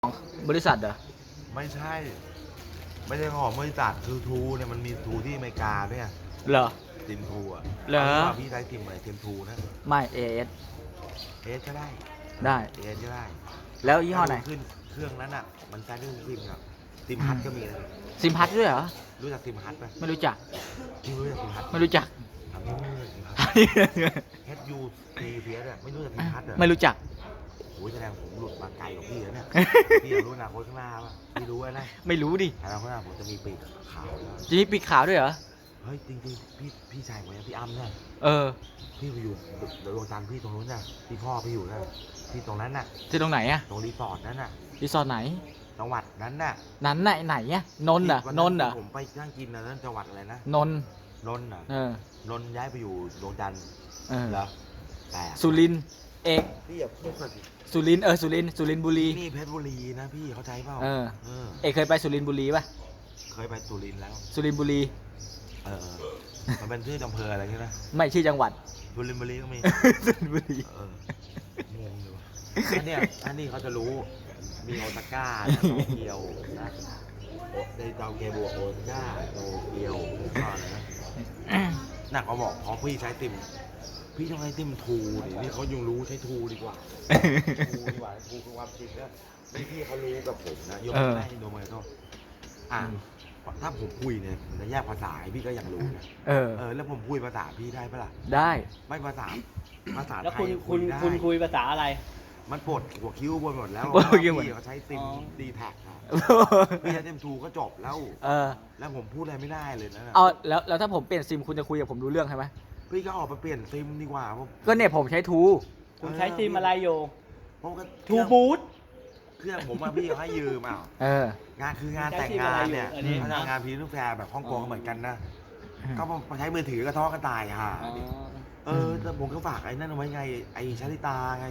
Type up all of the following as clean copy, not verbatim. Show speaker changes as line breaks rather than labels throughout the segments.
บริษัทเหรอ
ไม่ใช่ ไม่ใช่ของบริษัทคือทูเนี่ยมันมีทูที่อเมริกาเนี่ย
เหรอ
ซิมทูอ่ะ
เหรอ
พี่ใช้ซิมอะไรซิมทูนะ
ไม่เอส
เอสก็ได้
ได้
เอสก็ได้
แล้วยี่ห้อไหน
ขึ้นเครื่องนั้นอ่ะมันใช้ได้ทุกซิมครับซิมฮัทก็มีนะ
ซิมพัทด้วยเหรอ
รู้จักซิมฮัทไหม
ไม่รู้จัก
พี่รู้จักซิมฮัท
ไม่รู้จัก
ทำไม่รู้จักซิมฮัทเฮดยูซีเพียสอ่ะไม่รู้จักซิมฮัทเหรอ
ไม่รู้จัก
โอ้ยแสดงผมหลุดมาไกลกว่าพี่แล้วเนี่ยพี่รู้อนาคตข้างหน้าป่ะพี่รู้นะ
ไม่รู้ดิ
อนาคตข้างหน้าผมจะมีปีกขาวแล้ว
จะมีปีกขาวด้วยเหรอ
เฮ้ยจริงๆพี่ชายผมเนี่ยพี่อ้ำเนี่ยพี่ไปอยู่ดวงจันทร์พี่ตรงนู้นน่ะพี่พ่อพี่อยู่นะพี่ตรงนั้นน่ะ
ที่ตรงไหนอะ
ตรงรีสอร์ทนั้นน่ะ
รีสอร์ทไหน
จังหวัดนั้นน่ะ
นั้นไหนอะนนท์เหรอนนท์เหรอ
ผมไปนั่งกินนะนั่นจังหวัดอะไรนะ
นนท์
นนท์น่ะนนท์ย้ายไปอยู่ดวงจันทร์เหรอแต่
สุรินทร์เอก
พี่อย่าพูดแบบ
สุรินทร์สุรินทร์บุรี
นี่เพชรบุรีนะพี่เข้าใจเปล่า
เอกเคยไปสุรินทร์บุรีป่ะ
เคยไปสุรินทร์แล้ว
สุรินทร์บุรี
มันเป็นชื่ออำเภออะไรใช่ไหม
ไม่ชื่อจังหวัด
สุรินทร์บุรีก็มี
สุรินทร์บุรี
งงเลยว่ะอันนี้เขาจะรู้มีโอซาก้าโตเกียวนะในโตเกียวโอซาก้าโตเกียวก็อะไรนะหนักเขาบอกพอพี่ใช้ติมพี่ต้องใช้ติมทูดินี่เขายังรู้ใช้ทูดีกว่าทูดีกว่าทูคือความจริงนะพี่เขารู้กับผมนะยกให้โดมาโต้ถ้าผมคุยเนี่ยผมจะแยกภาษาพี่ก็ยังรู้นะแล้วผมคุยภาษาพี่ได้ปะล่ะ
ได้
ไม่ภาษา
แล้ว
ไทย
คุณคุยภาษาอะไร
มันปวดหัวคิ้วบนหมดแล้วพี่เขาใช้ซิมดีแท็กพี่ใช้ซิมทูก็จบแล้วแล้วผมพูดอะไรไม่ได้เลยนะ
แล้วถ้าผมเปลี่ยนซิมคุณจะคุยกับผมรู้เรื่องใช่ไหม
พี่ก็ออกไปเปลี่ยนซิมดีกว่า
ก็เนี่ยผมใช้ทู
คุณใช้ซิมอะไรอยู่
ทู
บูท
เครื่องผมพี่เขาให้ยืมงานคืองานแต่งงานเนี่ยเขาทำงานพรีเซนต์แฟร์แบบฮ่องกงเหมือนกันนะก็มาใช้มือถือกระท้อกันตายค่ะแต่ผมก็ฝากไอ้นั่นเอาไว้ไงไอ้ชาลิตาไง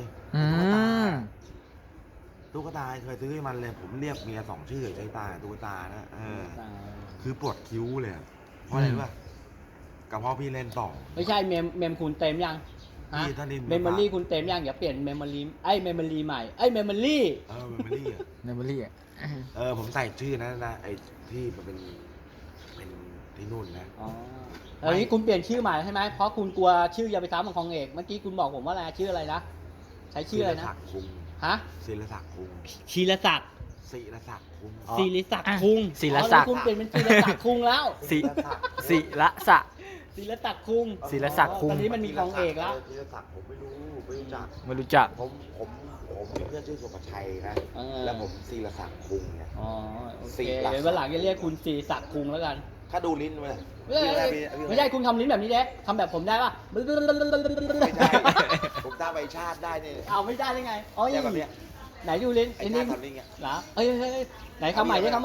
ตุ๊กตาเคยซื้อให้มันเลยผมเรียกเมีย2 ชื่อชาลิตาตุ๊กตานะคือปวดคิ้วเลยเพราะอะไรรู้ป่ะกับพ่อพี่เล่นต่อ
ไม่ใช่เมมคุณเต็มยังเมมโมรี่คุณเต็มยังอย่าเปลี่ยนเมมโมรี่เมมโมรี่ใหม่เมมโมรี่
เมมโมรี่
ผมใส่ชื่อนะไอ้ที่มันเป็นที่นู่นนะ
ตอนนี้คุณเปลี่ยนชื่อใหม่ใช่ไหมเพราะคุณกลัวชื่ออย่าไปซ้ำของเอกเมื่อกี้คุณบอกผมว่าอะไรชื่ออะไรนะใช้ชื่ออะไรนะ
ศิลศักดิ์คุง
ศิลศักดิ์
ศิลศักดิ์คุง
ศิลศักดิ์คุง
ศิลศักดิ์
คุณเปลี่ยนเป็นศิลศักดิ์คุงแล้ว
ศิลศักดิ์
ศิลศักดิ์คุงตอนนี้มันมีของเอกแล้ว
ศิลศักดิ์ผมไม่รู้จัก
ไม่รู้จัก
ผมมีเพื่อนชื่อสุภชัยนะแล้วผมศิลศักดิ์คุงเนี่ย
โอเคเดี๋ยววันหลังจะเรียกคุณศิลศักดิ์คุงแล้วกัน
ถ้าดูลิ้นไหม
ไม่ใช่คุณทำลิ้นแบบนี้เด็กทำแบบผมได้ป่ะไม่
ได้ผมตาใบชาติได้เนี่ย
เอาไม่ได้ได้ไงอ๋อแบบนี้ไหนดูลิ้นไอ้นี่เหรอไหนคำใหม่ดิจังห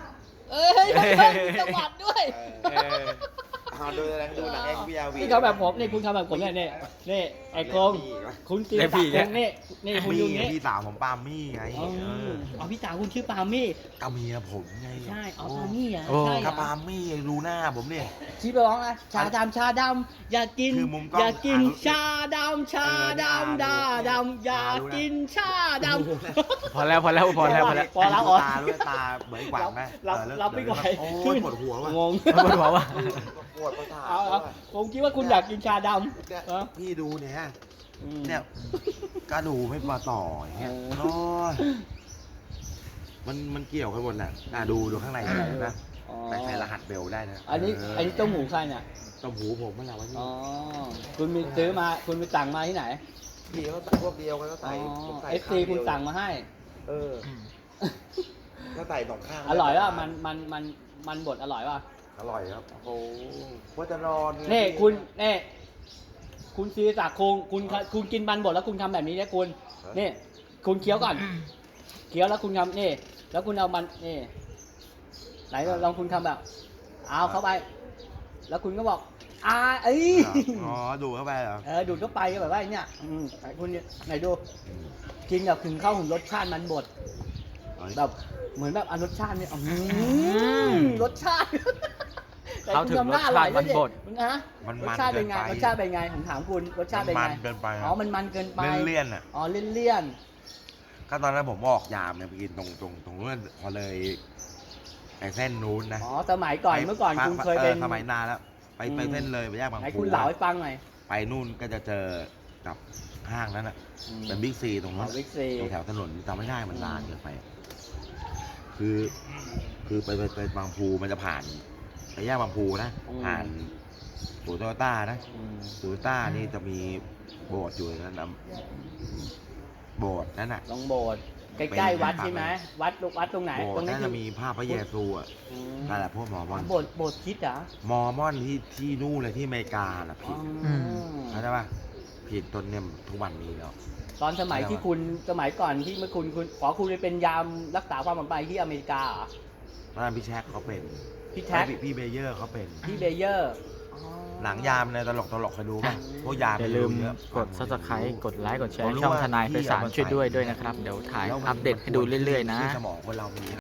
วัดด้วย
ดูหนังเอ็กซ์บีอาร์วี
นี่เขาแบบผมนี่คุณทำแบบผมเนี่ยไอ้โคงคุณตีตักนี่คุณยูนี่
พี่สาวผมปามี่ไง
พี่สาวคุณชื่อปามี่
กับเมียผมไง
ใช่ปามี่อ่ะ
ใช่กับปามี่รู้หน้าผมเนี่ย
ชี้ไปร้องนะชาดำอยากกินชาดำดาดำอยากกินชาดำ
พอแล้ว
ตาด้วยตาเหมือนกว่าไหม
รับไม่ไหว
ขึ้นปวดหัวว่ะ
ปวดหัวว่ะ
ปวดประสาท
ผมคิดว่าคุณอยากกินชาด
ำพี่ดูเนี่ยกระดูไม่มาต่ออย่างเงี้ยมันเกี่ยวกันหมดแหละดูข้างในนะแต่ใส่รหัสเบลได้นะ
อันนี้ต้มหูใครเนี่ย
ต้มหูผมมันอะไรวะนี่
คุณมีซื้อมาคุณไปสั่งมาที่ไหน
พี่เขาพวกเดียวกันก็ใส่
FC คุณสั่งมาให้
ก็ใส่2 ข้าง
อร่อยป่ะมันบดอร่อยป่ะ
อร่อยครับโอ้ว่าจะนอน
นี่คุณซีศักดิ์คุณกินมันบดแล้วคุณทำแบบนี้เนี่ยคุณนี่คุณเคี้ยวก่อนเคี้ยวแล้วคุณทำนี่แล้วคุณเอามันนี่ไหนลองคุณทำแบบเอาเข้าไปแล้วคุณก็บอก
ดูเข้าไปเหรอ
ดูเข้าไปแบบว่าเนี่ยคุณไหนดูกินแบบถึงเข้าถึงรสชาติมันบดแบบเหมือนแบบรสชาติเนี่ยรสชาติ
เขาถึงรสชาติมันบด
นะรสชาติเป็นไงผมถามคุณรสชาติเป็นไง
มันเกินไป
มันเกินไป
เลี่ยน
เลี่ยน
ก็ตอนนั้นผมออกยามเนี่ยไปกินตรงนู้นพอเลยไอ้เส้นนู้นนะ
อ๋อสมัยก่อนเมื่อก่อนคุณเคยเป็น
สมัยนานแล้วไปเส้นเลยไปแยกบาง
ไหน
ปู
คุณเล่าให้ฟังหน่อย
ไปนู่นก็จะเจอกับห้างนั้นอ่ะเป็นบิ๊กซีตรงนั้น
บิ๊กซี
ตรงแถวถนนจำไม่ได้มันนานเกินไป คือไปบางพูมันจะผ่านไปแยกบางพูนะผ่านศูนย์โตโยต้านะศูนย์โตโยต้านี่จะมีโบสถ์อยู่นั้นนะโบสถ์นั่นน่ะ
ลงโบสถ์ใกล้ๆวัดใช่ไหมวัดตรงไหน
โบส
ตร
ถ์
งนั้
นั่
น
นจะมีภาพพระเยซูอ่ะนั่นแหละพวกหมอมอน
โบสถ์คริดเหรอ
มอร์มอนที่นู่นเลยที่อเมริกาน่ะผิด
อืม
เข้าใจป่ะผิดจนเนี่ยทุกวันนี้แล้ว
ตอนสมัยที่คุณสมัยก่อนที่เมื่อคุณขอคุณไปเป็นยามรักษาความปลอดภัยที่อเมริกาเหรอ
ตอนนั้นพี่แช็คเขาเป็น
พี่แท็ก
พี่เบเยอร์เขาเป็น
พี่เบเยอร์อ๋อ
หนังยามในตลกเคยดูป่ะพวกยาม
อย่าลืม
เยอะ
กด subscribe กดไลค์กดแช
ผม
ร์
รู้
ช่อง
ว่า
ทนายไพศาล
พี่เอามา
ช่วยด้วย
ใส่
ด้วยนะครับ เดี๋ยวถ่าย
แล้วมัน
อัปเดตให้ดูเรื่อยๆนะ
ที่สมองคนเรามี